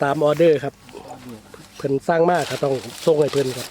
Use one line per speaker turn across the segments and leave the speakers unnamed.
ตามออเดอร์ครับเพิ่นสร้างมากก็ต้องส่งให้เพิ่นครับ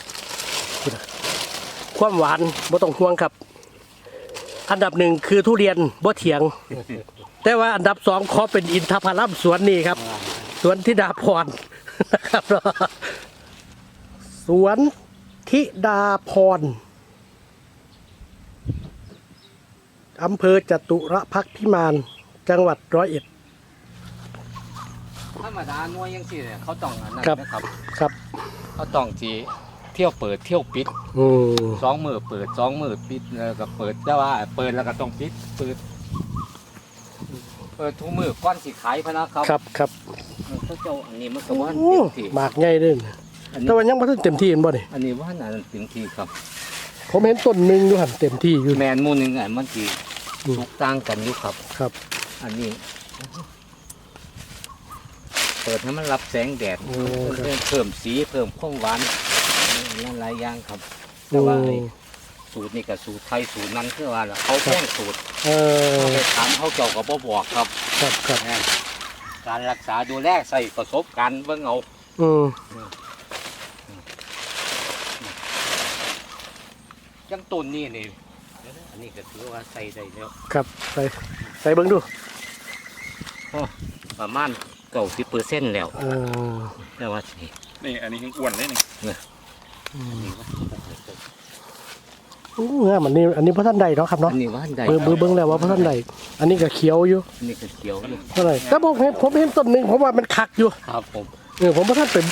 ความหวานบ่ต้องห่วงครับอันดับหนึ่งคือทุเรียนบ่เถียงแต่ว่าอันดับสองขอเป็นอินทผลัมสวนนี้ครับสวนธิดาพรนะครับสวนธิดาพรอำเภอจตุรพักษ์พิมานจังหวัด101
ธรรมดาหน่วยยังสิเนี่ยเขาต้องอันนั้น
ครับ
นะครับ
ครับ
เขาต้องจีเที่ยวเปิดเที่ยวปิด2 มื้อเปิด2 มื้อปิดแล้วก็เปิดแต่ว่าเปิดแล้วก็ต้องปิดเปิดทุกมื้อก่อนสิขายพะนะครับ
ครับ
เขาเจ้าอันนี้มันก็ว่า
โอ้
เต็มที่
หมากใหญ่เด้อ
อันนี้
แต่ว่ายังบ่ทันเต็มที่เห็นบ่นี่
อันนี้ว่าอันนั้นเต็มที่ครับ
ผมเห็นต้นหนึงอยู่หั่นเต็มที่อยู่
แมนหมู่หนึงอันมันสิสุกต่างกันอยู่ครับ
ครับ
อันนี้ เปิดให้มันรับแสงแดด
โอ้ครับ
เพิ่มสีเพิ่มความหวานนั่นหลายอย่างครับ แต่ว่าไอ้สูตรนี่กับสูตรไทยสูตรนั้นคือว่าล่ะเขาแจ้งสูตร
เออ
เขาไปถามเขาเจ้าก็บ่บอกครับ
ครับ
แม่นการรักษาดูแลใส่ประสบการณ์เบิ่งเอา
อืม
จังต้นนี่นี่อันนี้ก็ถือว่าใส่ได้แล้ว
ครับใส่เบิ่งดู
ประมาณ90%แล้ว
เออ
แต่ว่าสิ
นี่อันนี้ยังอ้วนเลยนี่
อู้งามอันนี้บ่ทันได้เนาะครับเนาะ
อันนี้ว่าได้
เบิ่งแล้วว่าบ่ทันได้อันนี้ก็เขียวอยู่
อันนี้ก็เขียวอยู่
เท่าไหร่แต่ผมเห็นต้นหนึงผมว่ามันคักอยู่
ครับผม
ผมบ่ทันเป็น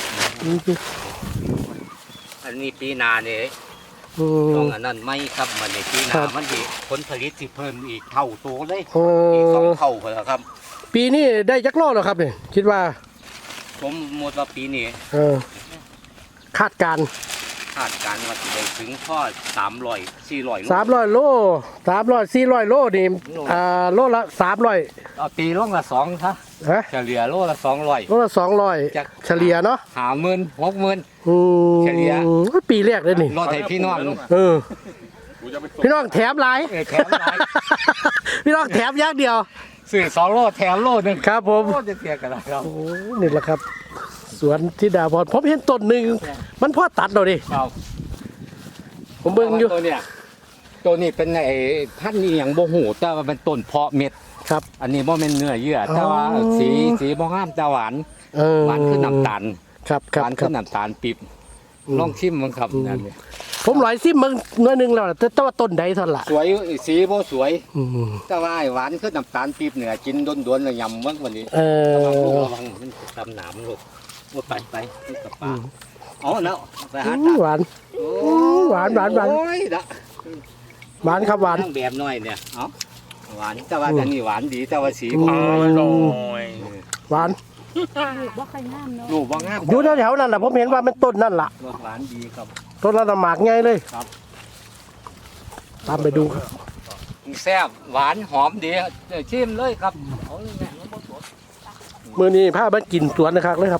อันนี้ปีหน้านี่
อื
ต้อ
ม
งอันนั้นไม่ครับมันในปีห
ครั
น้า
บ
มันสิผลผลิตสิเพิ่มอีกเท่าตัวเลย
เอ
อีก
อ
2 เท่าพุ่นล่ะครับ
ปีนี้ได้จักรอบแล้วครับนี่คิดว่า
ผมหมดว่าปีนี้
เออคาดการณ์
คาดการณ์ว่าจะได้ถึงข้อ300 400
300 โล300 400 โลนี่โลละ300
เอาตีลงละ2ซะ
ฮะ
เฉลี่ยโลละ200
โลละ200เฉลี่ยเนาะ
50,000 60,000
อืม
เฉลี่ย
ปีแรกเลยนี่
รถให้พี่น้อง
เออ
กูจะไปส่ง
พี่น้องแถมหลาย
แถมหลาย
พี่น้องแถมอย่างเดียว
ซื้อ2 โลแถมโลนึง
ครับผม
โลจะเสียกันแล้วครับ
โอ้นี่แหละครับ สวนธิดาพรผมเห็นต้นหนึ่งมันพอตัดเราดิ
ครับ
ผมเบิ่งอยู่
ตัวนี้เป็นไอ้พันธุ์นี่อย่างโบหูแต่ว่าเป็นต้นเพาะเม็ด
ครับ
อันนี้บ่เป็นเนื้อเยื่อแต่ว่า
อ๋อ
สีบ่งามแต่หวาน หวานขึ้นน้ำตาล
ครับค
ห
รับ
วาน
ครั
ขึ้
บ
นน้ำตาลปีบ
อืม
ลองชิมมันครับ
อืม
นั่นนี่
ผมหลอยซิมมึงหน้อยหนึงแล้วล่ะแต่ว่าต้นใดเท่านั้นล่ะ
สวยสีบ่สวย
อืม
แต่ว่าไอ้หวานขึ้นน้ำตาลปีบเนี่ยกินโดนๆแล้วยำมันวันนี้
เอ
ระวัง
อ
มันจะตำหนามลูกว่าไปมันกับป
อื
ลาม อ๋อเนาะไปหา
อื
ตาม
หวาน
โอ้
หวาน
โอ้ยดะ
หวานครับหวาน
ตั้งแบบน้อยเนี่ยเอ้าหวานแต่ว่า
อืม
อันนี้หวานดีแต่ว่าสี
อืม
บ่
โอ้ย
หวาน
บ่ค่อยงามเนาะ
ลูกบ่งาม
อยู่แถวๆนั่นแหละผมเห็นว่ามันต้นนั่นล่ะ
หวานดีครับ
ต้นละหมากไงเลย
ครับ
ตามไปดูครับ
แซ่บหวานหอมดีชิมเลยครับเอาเลยแม่มันบ่สด
มื้อนี้พามากินสวนนะครับเลยครับ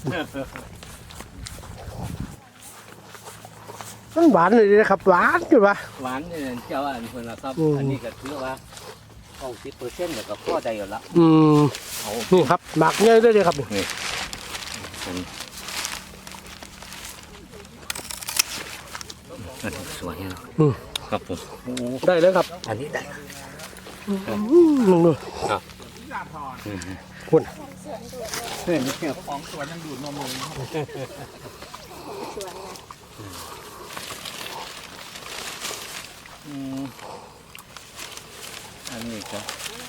มันหวานเลยนะครับ หวานจุดวะ
หวานเนี่ยเจ้าอันคนละครับ
อืม
อันนี้ก็ถือว่า90%เนี่ยก็พอได้อยู่ละ
อืม
เอา
นี่ครับหมากเงยได้เลยครับ
อันนี้สวยเนาะ
อืม
ครับผมโอ้
ได้เลยครับ
อันนี้ได้
มึงดู
ครับ
คุณ
ของสวนยังดูดนมเลย
อืมอันนี้ก็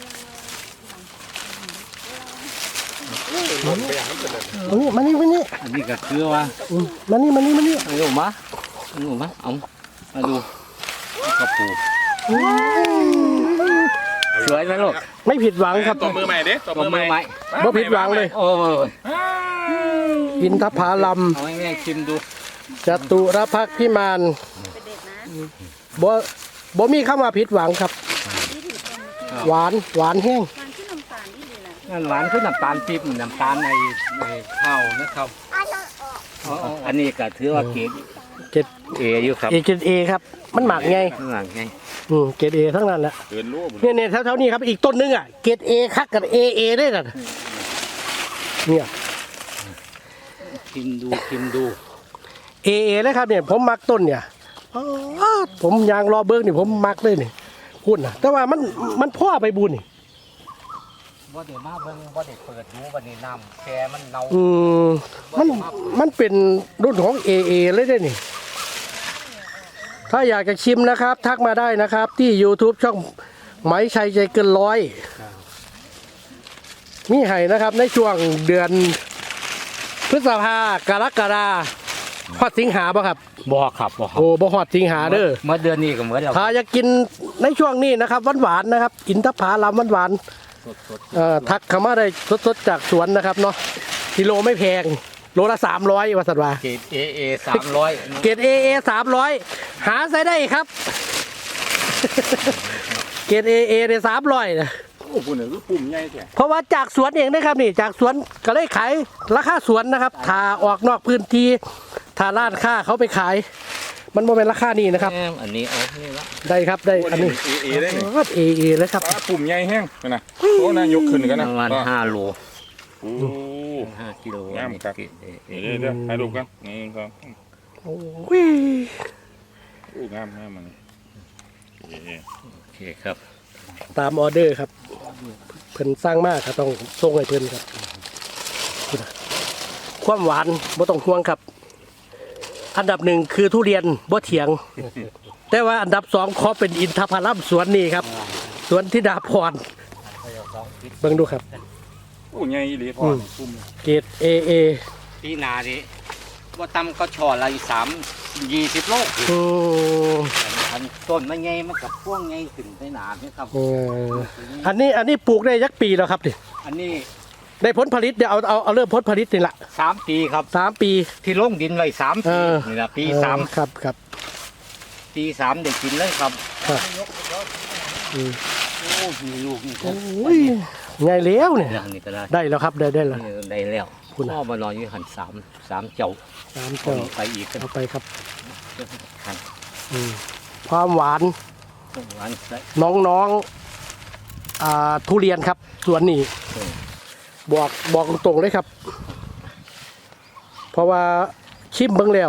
มานี่
อันนี้ก็คือว่า
มานี่
เอาลูกมาเอามาดูกระปูสวยไหมลูก
ไม่ผิดหวังครับ
ตัวมือใหม่เด้ตัวมือใหม่
บ่ผิดหวังเลย
โอ้ย
อินทผลัม
เอาง่ายๆชิมดู
จตุรพักษ์พิมาน
เป็นเด็กนะ
บ่มีคำว่าผิดหวังครับ หวานแห้ง
มันที่น้ำตาลนี่เลยนะ
นั่นหวานคือน้ำตาลปี๊บน้ำตาลในข้าวนะครับอันนี้ก็ถือว่าเกรด
เกรด
เออยู่ครับ
เอครับ มันหมากไง
ข้างหลังไง
เกรดเอทั้งนั้นแหละ
เกินรู้บุญ
เนี่ยแถวๆนี้ครับอีกต้นนึงอ่ะเกรดเอคักกับเอได้น่ะเนี่ย
ชิมดู
เอเลยครับเนี่ยผมมักต้นเนี่ยอ๋อผมยางรอเบิ้งนี่ผมมักเลยนี่คุณนะแต่ว่ามันพ่อไปบุญนี่
ว่าเดี๋ยวมาเบิ่งว่าเดี๋ยวเปิดดูวันนี้น้ำแกมันเน่า
มันเป็นรุ่นของเอเลยได้นี่ถ้าอยากจะชิมนะครับ ทักมาได้นะครับ ที่ YouTube ช่องไหมชัยใจเกินร้อยมีให้นะครับในช่วงเดือนพฤษภากรกฎาฮอดสิงหาป่ะครับ
บ่ครับบ่ครับ
โอ้บ่ฮอดสิงหาเด้อ
เมื่อเดือนนี้ก็เหมือนเดียว
ถ้าอยากกินในช่วงนี้นะครับหวานๆนะครับอินทผลัมหวาน
สด
ๆทักเข้ามาได้สดๆจากสวนนะครับเนาะกิโลไม่แพงโลละ300ว่าสัตว์ว่า
เกรด AA 300
เกรดเอ300หาใส่ได้ครับ เกรดเอเนี่ย300นะ
โอ้คุณเนี่ยคือปุ่มใหญ่แท้
เพราะว่าจากสวนเองนะครับนี่จากสวนก็เลยขายราคาสวนนะครับถ้าออกนอกพื้นที่ถ้าร้านค้าเขาไปขาย มันบ่เป็นราคานี้นะครับ
อันนี้เอานี่ละ
ได้ครับได้อันนี้
เอได้นี่
เอเลยครับ
ปุ่มใหญ่แห้งนะโอ้นะยกขึ้นกันนะ
ประมาณ5โล
โอ้
5กิโล
งามครับ
เกรด AA
เดี๋ยวให้ดูกันนี่ครับ
โอ้ย
โอ้งามมัน
โอเคครับ
ตามออเดอร์ครับเพิ่นสร้างมากครับต้องส่งให้เพิ่นครับความหวานบ่ต้องห่วงครับ อันดับหนึ่งคือทุเรียนบ่เถียง แต่ว่าอันดับสองขอเป็นอินทผลัมสวนนี้ครับสวนธิดาพรเบิ่งดูครับ
โอ้ใหญ่อีหลีพอปุ่ม
เกรดเอ
ปีหนานี้ว่าตำก็ช่อละ20 โล อันต้นมันไงมันกับพวงไงถึงได้หนาเนี่ยครับ
อันนี้ปลูกได้ยักปีแล้วครับดิ
อันนี้
ได้ผลผลิตเดี๋ยวเอาเริ่มผลผลิตนี่ละ
3 ปีครับ
3 ปี
ที่ลงดินไว้3
เอ
ปี
อ
นี่ละปี
ครับครับ
3ปี3เด็กกินเลยครับ
ครับ
โอ้มีลูกนี่
โอ้ยไงเลี้ยวเนี่ย
นี่ก็ได้
ได้แล้วครับได้แล้ว
นี่ได้แล้ว
คุณอะ
พ่อมานอนอยู่หัน3เจ้า
3เจ้า
ไปอีกกัน
เอาไปครับ
หัน
ความหวาน
หวานใส่
น้องๆทุเรียนครับสวนนี้บอกตรงๆเลยครับ เพราะว่าชิมเบิ่งแล้ว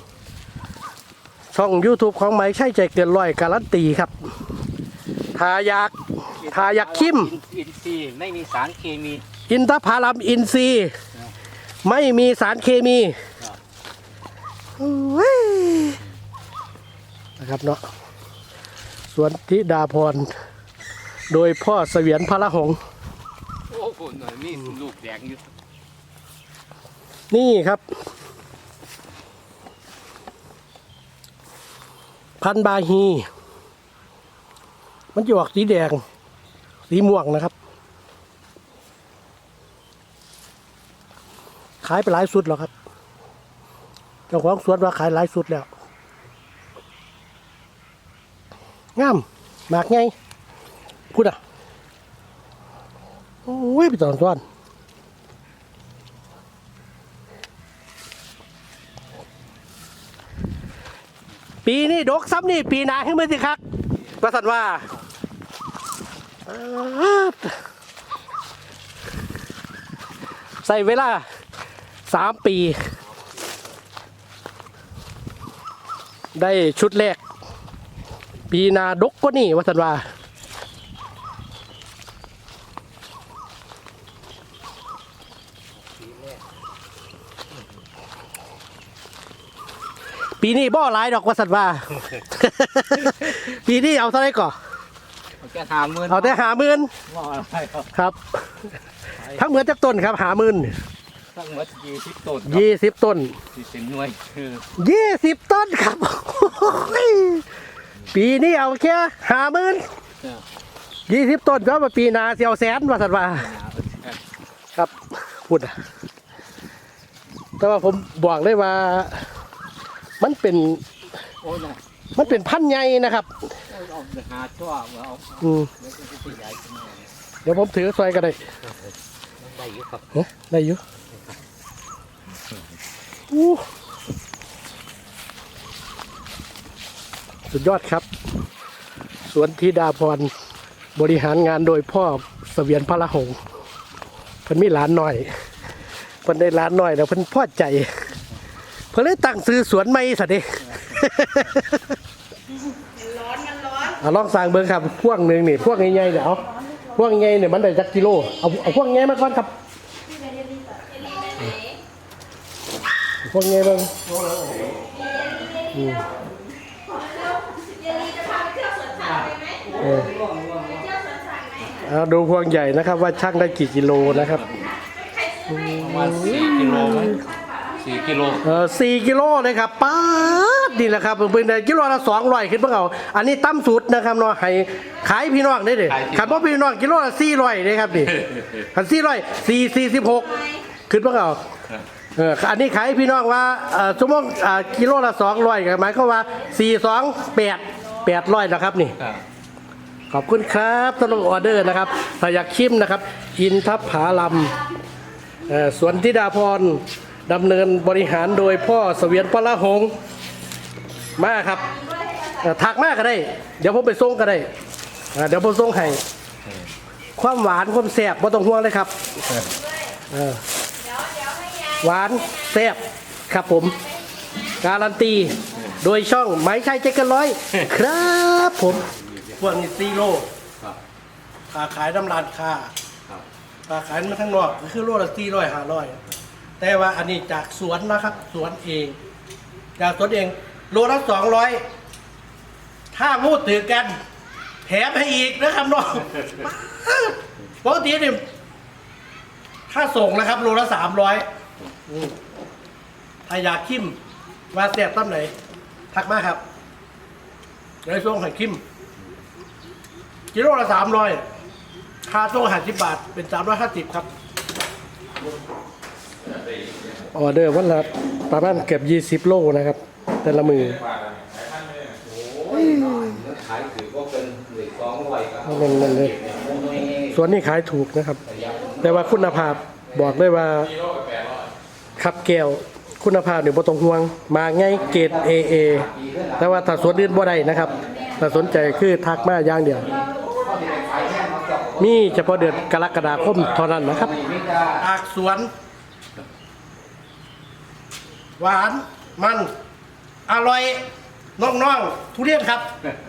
ช่อง YouTube ของไหมใช่ใจเกินร้อยการันตีครับถ้าอยากชิม
อินทรีย์ไม่มีสารเคมี
อินทผลัมอินทรีย์ไม่มีสารเคมีโอ้ยนะครับเนาะสวนธิดาพรโดยพ่อเสวียนพระหงส์
โอ้โหหน่อยมีลูกแดงอยู่
นี่ครับ พันธุ์บาฮี มันจะออกสีแดง สีม่วงนะครับ ขายไปหลายสุดแล้วครับ เจ้าของสวนว่าขายหลายสุดแล้ว งามหมากไงพูดอ่ะ โอ้ยไปตอนปีนี้ดกซ้ำนี่ปีหนาขึ้นมาสิครับประสันว่าใส่เวลา3 ปี ได้ชุดแรก ปีนาดกก็นี่วัสันว่าปีนี้บ่หลายดอกวัสันว่า ปีนี้เอาเท่าไหร่ก่อน
แค่50,000
เอาแต่50,000
ว่าอะไรครับ
ครับ ทั้งเหมือนจากต้นครับ50,000
ทั้งหมด20 ต้น
20 ต้น
ที่เป็นหน่วยคือ
20 ต้นครับ ปีนี้เอาแค่50,000 20 ต้นก็มาปีหนาเสียวแสนว่าสัตว์ว่าครับพูดนะแต่ว่าผมบอกเลยว่ามันเป็น
โอ้ยนะ
พันธุ์ใหญ่นะครับ
เอาหาชั่วเอา
อืม
แล้วก็จะใหญ่ขึ้นมา
เดี๋ยวผมถือซอยก็ได้
ได้อยู่ครับ
เอ๊ะได้อยู่อู้สุดยอดครับ สวนธิดาพรบริหารงานโดยพ่อเสวียนพระหงส์เพิ่นมีหลานหน่อยพิ่นได้ร้านน้อยแล้วเพิ่นพอใจเพิ่นเลยตั้งซื้อสวนใหม่ซะเด้
ร้อนมันร้อน
เอาลองสั่งเบิ่งครับพวงหนึงนี่พวงใหญ่ๆเดี๋ยวเอาพวงใหญ่เนี่ยมันได้จักกิโลเอาพวงใหญ่มาก่อนครับพวงใหญ่เบิ่งเอาดูพวงใหญ่นะครับว่าช่างได้กี่กิโลนะครับ
ประมาณ4 กิโลไหม4 กิโล
4 กิโลเลยครับป๊าดนี่แหละครับเป็นกิโลละ200ขึ้นเพิ่งเอาอันนี้ตั้มสุดนะครับเนาะให้ขายพี่น้องได้เด้ขันว่าพี่น้องกิโลละ400เลยครับนี่ขัน446ขึ้นเพิ่งเอาอันนี้ขายพี่น้องว่าชั่วโมงกิโลละ200หมายความว่า800นะครับนี่ขอบคุณครับสำหรับออเดอร์นะครับถ้าอยากชิมนะครับอินทผลัมสวนธิดาพรดำเนินบริหารโดยพ่อเสวียนปละหงมาครับถักมากก็ได้เดี๋ยวผมไปส่งก็ได้เดี๋ยวผมส่งให้ความหวานความแซ่บไม่ต้องห่วงเลยครับหวานแซ่บครับผมการันตีโดยช่องไม้ชัยเจ๊กันร้อยครับผมพวกนี้4 โลค่าขายน้ำร้านค้าค่าขายมาทั้งนอกก็คือโลละ400 500แต่ว่าอันนี้จากสวนนะครับสวนเองจากสวนเองโลละ200ถ้าพูดถือกันแถมให้อีกนะครับน้องปกติเนี่ยถ้าส่งนะครับโลละ300ถ้าอยากคิมว่าแซ่บตั้มไหนทักมาครับเดี๋ยวส่งให้คิมกิโลละ300ค่าส่ง50 บาทเป็น350ครับออเดอร์วันละประมาณเกือบ20 โลนะครับแต่ละมือ
ขายถือก็เป็น200ครับ
มันเลยส่วนนี้ขายถูกนะครับ แต่ว่าคุณภาพบอกได้ว่าขับแก้วคุณภาพเนี่ยบ่ต้องห่วงมาง่ายเกรด AA แต่ว่าถ้าสวนอื่นบ่ได้นะครับถ้าสนใจคือทักมาอย่างเดียวมีเฉพาะเดือนกรกฎาคมเท่านั้นนะครับอากสวนหวานมันอร่อยน้องๆทุเรียนครับ